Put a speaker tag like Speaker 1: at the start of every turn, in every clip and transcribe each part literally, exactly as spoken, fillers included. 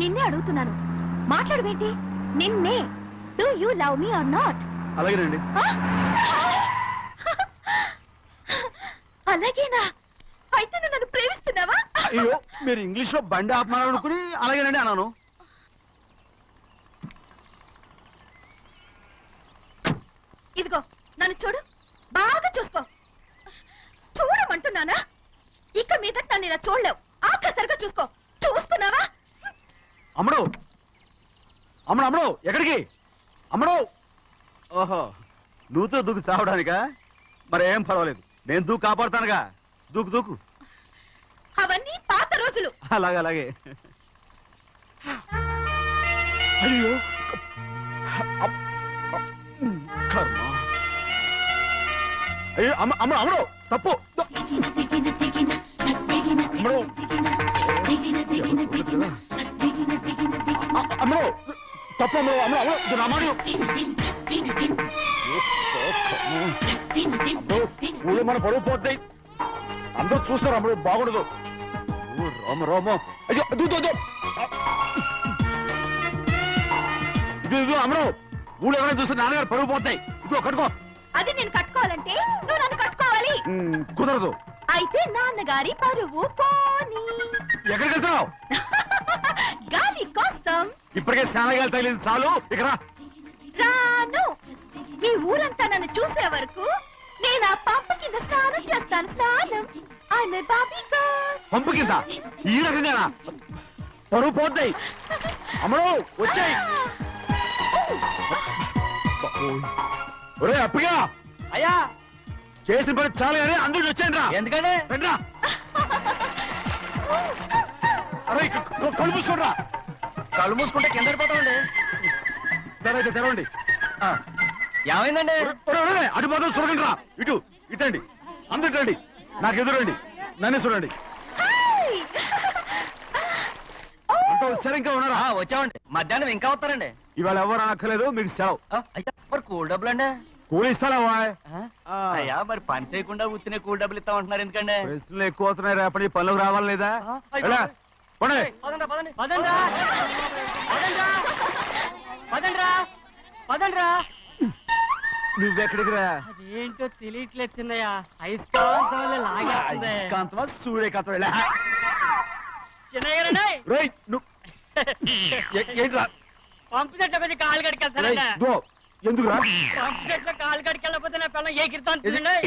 Speaker 1: నిన్నే అడుగుతున్నాను, మాట్లాడవేంటి? నిన్నే. Do you love me or not?
Speaker 2: అలాగేనండి.
Speaker 1: అలాగేనా? అయితే నువ్వు నన్ను ప్రేమిస్తున్నావా?
Speaker 2: అయ్యో, మీరు ఇంగ్లీష్ లో బండి ఆపమాలనుకుని అలాగేనండి అన్నాను.
Speaker 1: ఇదిగో నన్ను చూడు, బాగా చూసుకో. చూడమంటున్నానా? ఇక మీద నన్ను ఇలా చూడలేవు. ఆఖసరిగా చూసుకో. చూసుకున్నావా?
Speaker 2: అమ్మడు అమ్మడు అమ్మడు ఎక్కడికి? అమ్మడు. ఓహో, నువ్వుతో దూకు చావడానికా? మరేం పర్వాలేదు, నేను దూకు కాపాడుతానుగా. దూకు దూకు.
Speaker 1: అవన్నీ పాత రోజులు.
Speaker 2: అలాగే అలాగే. అయ్యో కర్మ. అయ్యో అమ్మ అమ్మ అమ్మడు తప్పు. అమ్మడు అమ్మడు తప్పు. అమ్మడు అమ్మడు అమ్మడు రామాడు. ఊళ్ళో మన పరువు పోతాయి, అందరూ చూస్తారు. అమ్మడు బాగుండదు. రామ రామ. అయ్యో దూదు ఇది అమ్మడు. ఊళ్ళో ఎవరైనా చూస్తే నాన్నగారు పరువు పోతాయి. ఇదిగో కట్టుకో.
Speaker 1: అది నేను కట్టుకోవాలంటే నువ్వు నన్ను కట్టుకోవాలి.
Speaker 2: కుదరదు.
Speaker 1: అయితే నాన్నగారి పరువు పోనీ.
Speaker 2: ఎక్కడికి వెళ్తున్నావు?
Speaker 1: గాలి కోసం.
Speaker 2: ఇప్పటికే స్నానగాలి తగిలింది చాలు. ఇక్కడ
Speaker 1: రాను. ఈ ఊరంతా నన్ను చూసే వరకు నేను ఆ పంప కింద స్నానం చేస్తాను. స్నానం. ఆమె బాబీ గర్ల్.
Speaker 2: పంపు కింద ఈ రకంగానా? పరువు పోతాయి. అమ్మడు వచ్చాయి. ఒరే అప్పగా.
Speaker 3: అయ్యా,
Speaker 2: చేసిన పని చాలు కానీ అందరికి వచ్చాను రా.
Speaker 3: ఎందుకంటే
Speaker 2: రండ్రా. అరే కళ్ళు మూసుకోండి.
Speaker 3: కళ్ళు మూసుకుంటే కింద పడిపోతామండి.
Speaker 2: సరే అయితే తెరవండి.
Speaker 3: ఏమైందండి?
Speaker 2: అటు మాత్రం చూడండి రా. ఇటు ఇటండి. అందరు రండి. నాకు ఎదురండి. నన్నే చూడండి. అంత సరే ఇంకా ఉన్నారా?
Speaker 3: వచ్చామండి. మధ్యాహ్నం ఇంకా వస్తారండి.
Speaker 2: ఇవాళ ఎవరు అనక్కర్లేదు, మీకు సెలవు.
Speaker 3: అయ్యా, మరి కూల్ డబ్బులు అండి?
Speaker 2: కూలి ఇస్తారా?
Speaker 3: అయ్యా, మరి పని చేయకుండా ఉత్తినే కూల్ డబ్బులు ఇస్తామంటున్నారు ఎందుకండి?
Speaker 2: ప్రశ్నలు ఎక్కువ అవుతున్నాయి. రేపటి పనులకు రావాలి లేదా? నువ్వెక్కడికి రా?
Speaker 4: అదేంటో తెలియట్లేదు చిన్నయ్య. అయస్కాంతం
Speaker 2: అయస్కాంతమా సూర్యకాంతం?
Speaker 4: చిన్నయ్య
Speaker 2: ఏంట్రా?
Speaker 4: పంపు చెట్ల కొద్ది కాలు కడికెళ్తానండి.
Speaker 2: ఎందుకురా?
Speaker 4: పంపు చెట్ల కాలు కడికెళ్ళకపోతే నా పిల్లలు ఏ కిర్తాను.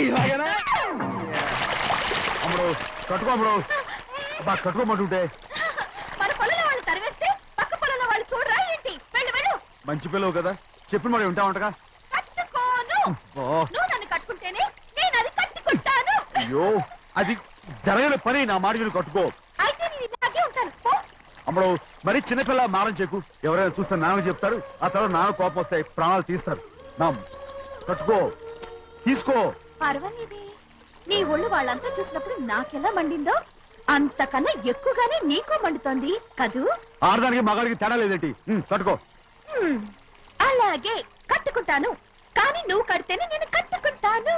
Speaker 2: అమ్మడు కట్టుకో. అమ్మడు బాగా కట్టుకోమంటుంటే
Speaker 1: మన పొలంలో వాళ్ళు తరివేస్తే పక్క పొలంలో వాళ్ళు చూడరా ఏంటి? వెళ్ళు వెళ్ళు.
Speaker 2: మంచి పిల్లవు కదా, చెప్పిన మరి ఉంటా ఉంటగా.
Speaker 1: కట్టుకోను. నువ్వు నన్ను కట్టుకుంటేనే నేను అది కట్టుకుంటాను.
Speaker 2: అయ్యో, అది జరగని పని. నా మాట విని కట్టుకో.
Speaker 1: అయితే నేను ఇలాగే ఉంటాను. పో.
Speaker 2: అమ్మడు మరి చిన్నపిల్ల మారం చెక్కు. ఎవరైనా చూస్తే నాన్న చెప్తారు. ఆ తర్వాత నాన్న కోపం వస్తాయి, ప్రాణాలు తీస్తారు. నా కట్టుకో, తీసుకో.
Speaker 1: పర్వాలేదే, నీ ఒళ్ళు వాళ్ళంతా చూసినప్పుడు నాకెలా మండిందో అంతకన్నా ఎక్కువగానే నీకు మండుతోంది కదూ.
Speaker 2: ఆడదానికి మగాడికి తేడా లేదేంటి? కట్టుకో.
Speaker 1: అలాగే కట్టుకుంటాను. కానీ నువ్వు కడితేనే నేను కట్టుకుంటాను.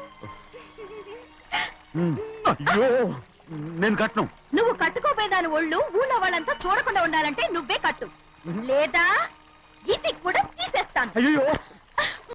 Speaker 2: అయ్యో, నేను కట్టను.
Speaker 1: నువ్వు కట్టుకోపోయేదాని ఒళ్ళు ఊళ్ళో వాళ్ళంతా చూడకుండా ఉండాలంటే నువ్వే కట్టు, లేదా ఇది కూడా తీసేస్తాను.
Speaker 2: అయ్యో